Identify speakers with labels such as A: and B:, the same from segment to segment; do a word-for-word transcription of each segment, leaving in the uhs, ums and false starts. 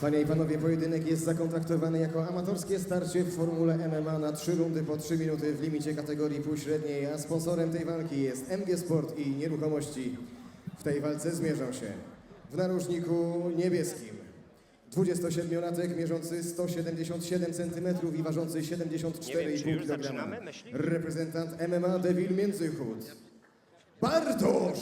A: Panie i panowie, pojedynek jest zakontraktowany jako amatorskie starcie w formule M M A na trzy rundy po trzy minuty w limicie kategorii półśredniej, a sponsorem tej walki jest M G Sport i Nieruchomości. W tej walce zmierzą się w narożniku niebieskim dwudziestosiedmiolatek mierzący sto siedemdziesiąt siedem centymetrów i ważący siedemdziesiąt cztery i pół kilograma. Reprezentant M M A Devil Międzychód Bartosz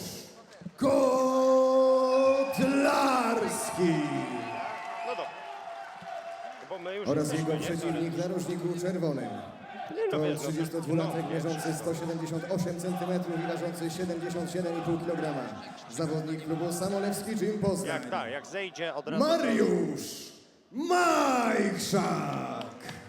A: Kotlarski.
B: No dobra. Bo my już
A: Oraz
B: jesteśmy,
A: jego
B: nie?
A: przeciwnik w narożniku czerwonym.
B: no
A: To
B: wiesz, no,
A: trzydziestodwulatek
B: no,
A: mierzący sto siedemdziesiąt osiem centymetrów i ważący siedemdziesiąt siedem i pół kilograma. Zawodnik klubu Samolewski Gym Poznań.
B: Jak tak, jak zejdzie od razu...
A: Mariusz Majchrzak.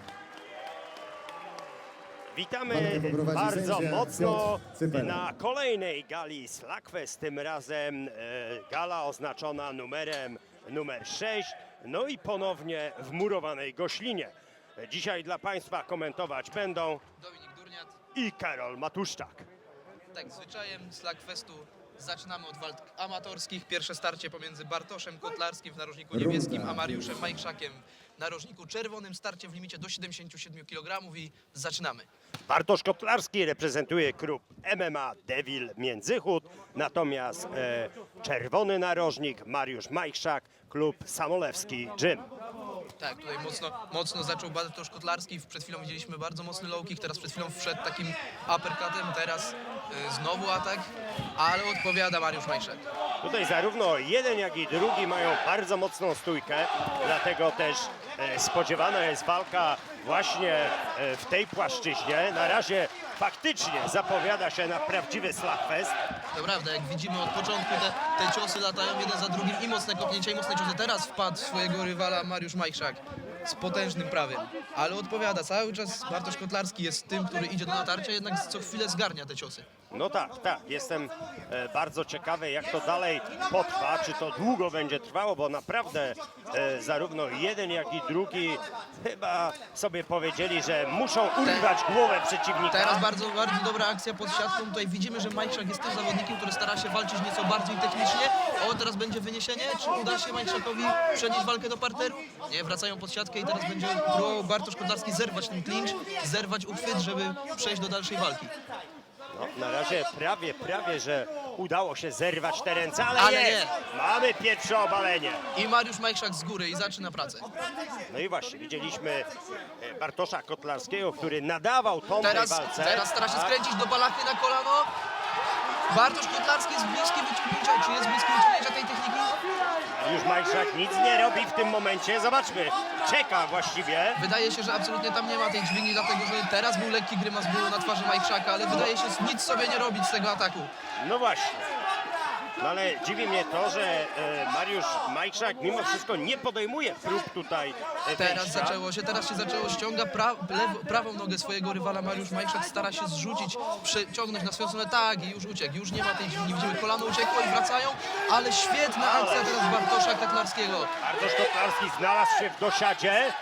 B: Witamy
A: Walkę poprowadzi
B: bardzo
A: sędzia
B: mocno
A: Piotr Cypera.
B: na kolejnej gali Slugfest, tym razem e, gala oznaczona numerem numer sześć, no i ponownie w murowanej Goślinie. Dzisiaj dla Państwa komentować będą
C: Dominik Durniat.
B: i Karol Matuszczak.
C: Tak, zwyczajem Slugfestu zaczynamy od walk amatorskich. Pierwsze starcie pomiędzy Bartoszem Kotlarskim w narożniku
A: Runda.
C: niebieskim, a Mariuszem Majchrzakiem w narożniku czerwonym. Starcie w limicie do siedemdziesięciu siedmiu kilogramów i zaczynamy.
B: Bartosz Kotlarski reprezentuje klub M M A Devil Międzychód, natomiast e, czerwony narożnik Mariusz Majchrzak, klub Samolewski Gym.
C: Tak, tutaj mocno, mocno zaczął Bartosz Kotlarski. Przed chwilą widzieliśmy bardzo mocny low kick, teraz przed chwilą wszedł takim uppercutem, teraz y, znowu atak, ale odpowiada Mariusz Majchrzak.
B: Tutaj zarówno jeden, jak i drugi mają bardzo mocną stójkę, dlatego też e, spodziewana jest walka właśnie e, w tej płaszczyźnie. Na razie faktycznie zapowiada się na prawdziwy slugfest.
C: To prawda, jak widzimy od początku te, te ciosy latają jeden za drugim i mocne kopnięcia i mocne ciosy. Teraz wpadł w swojego rywala Mariusz Majchrzak z potężnym prawym, ale odpowiada. Cały czas Bartosz Kotlarski jest tym, który idzie do natarcia, jednak co chwilę zgarnia te ciosy.
B: No tak, tak. Jestem e, bardzo ciekawy, jak to dalej potrwa, czy to długo będzie trwało, bo naprawdę e, zarówno jeden, jak i drugi chyba sobie powiedzieli, że muszą urwać głowę przeciwnika.
C: Teraz bardzo, bardzo dobra akcja pod siatką. Tutaj widzimy, że Majchrzak jest tym zawodnikiem, który stara się walczyć nieco bardziej technicznie. O, teraz będzie wyniesienie. Czy uda się Majchrzakowi przenieść walkę do parteru? Nie, wracają pod siatkę i teraz będzie próbował Bartosz Kotlarski zerwać ten clinch, zerwać uchwyt, żeby przejść do dalszej walki.
B: No, na razie prawie, prawie, że udało się zerwać te ręce, ale,
C: Ale
B: jest!
C: nie.
B: Mamy pierwsze obalenie.
C: I Mariusz Majchrzak z góry i zaczyna pracę.
B: No i właśnie, widzieliśmy e, Bartosza Kotlarskiego, który nadawał tą
C: Teraz,
B: tej walce.
C: teraz stara się
B: Tak.
C: skręcić do balachy na kolano. Bartosz Kotlarski jest bliski wyciągnięcia. Czy jest bliski wyciągnięcia tej techniki?
B: Już Majchrzak nic nie robi w tym momencie. Zobaczmy, czeka właściwie.
C: Wydaje się, że absolutnie tam nie ma tej dźwigni, dlatego że teraz był lekki grymas bólu na twarzy Majchrzaka, ale wydaje się nic sobie nie robić z tego ataku.
B: No właśnie. No ale dziwi mnie to, że e, Mariusz Majchrzak mimo wszystko nie podejmuje prób tutaj e,
C: Teraz
B: wejścia.
C: zaczęło się, teraz się zaczęło, ściąga pra, lewo, prawą nogę swojego rywala. Mariusz Majchrzak stara się zrzucić, przeciągnąć na swoją stronę, tak, i już uciekł, już nie ma tej dźwigni, widzimy, kolano uciekło i wracają, ale świetna akcja teraz Bartosza Kotlarskiego.
B: Bartosz Kotlarski znalazł się w dosiadzie,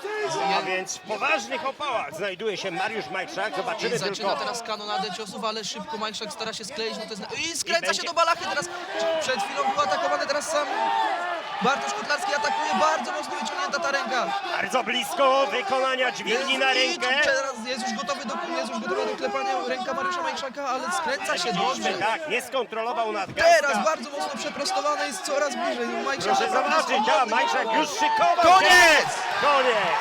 B: a więc w poważnych opałach znajduje się Mariusz Majchrzak.
C: I
B: Zobaczymy
C: zaczyna
B: tylko...
C: teraz kanonadę ciosów, ale szybko Majchrzak stara się skleić, no to jest... I skręca
B: będzie-
C: się do balachy, teraz przed chwilą był atakowany, teraz sam Bartosz Kotlarski atakuje, bardzo mocno wyciągnięta ta ręka.
B: Bardzo blisko wykonania dźwigni na
C: I
B: rękę.
C: teraz jest już gotowy do, jest już gotowy do klepania ręka Mariusza Majchrzaka, ale skręca się dobrze.
B: Widzieliśmy, tak, nie skontrolował nadgarstka.
C: Teraz bardzo mocno przeprostowane, jest coraz bliżej. Majchrzak
B: Proszę
C: naprawdę
B: zobaczyć,
C: swobodny.
B: ja, Majchrzak już szykował
C: Koniec!
B: się. Koniec!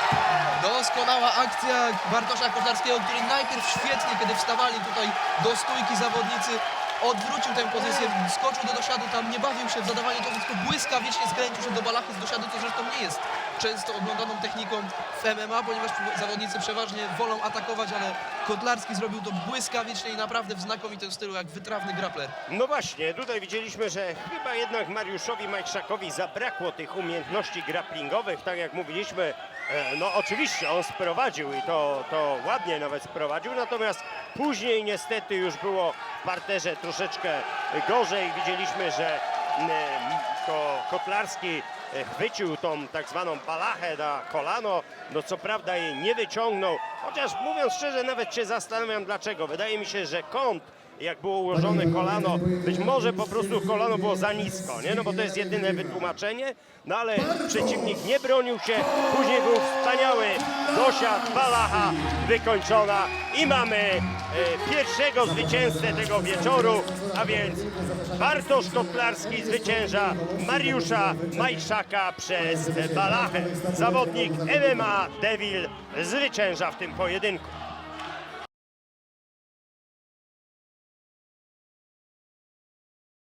C: Doskonała akcja Bartosza Kotlarskiego, który najpierw świetnie, kiedy wstawali tutaj do stójki zawodnicy, odwrócił tę pozycję, skoczył do dosiadu, tam nie bawił się w zadawaniu to tylko błyskawicznie skręcił się do balachy z dosiadu, co zresztą nie jest często oglądaną techniką w M M A, ponieważ zawodnicy przeważnie wolą atakować, ale Kotlarski zrobił to błyskawicznie i naprawdę w znakomitym stylu, jak wytrawny grappler.
B: No właśnie, tutaj widzieliśmy, że chyba jednak Mariuszowi Majchrzakowi zabrakło tych umiejętności grapplingowych, tak jak mówiliśmy. e, No oczywiście on sprowadził i to, to ładnie nawet sprowadził, natomiast później niestety już było w parterze troszeczkę gorzej. Widzieliśmy, że m, to Kotlarski e, chwycił tą tak zwaną balachę na kolano, no co prawda jej nie wyciągnął, chociaż mówiąc szczerze nawet się zastanawiam dlaczego. Wydaje mi się, że kąt jak było ułożone kolano. Być może po prostu kolano było za nisko, nie? No bo to jest jedyne wytłumaczenie. No ale przeciwnik nie bronił się. Później był wspaniały dosiad Balacha, wykończona i mamy e, pierwszego zwycięzcę tego wieczoru, a więc Bartosz Kotlarski zwycięża Mariusza Majszaka przez Balachę. Zawodnik M M A Devil zwycięża w tym pojedynku.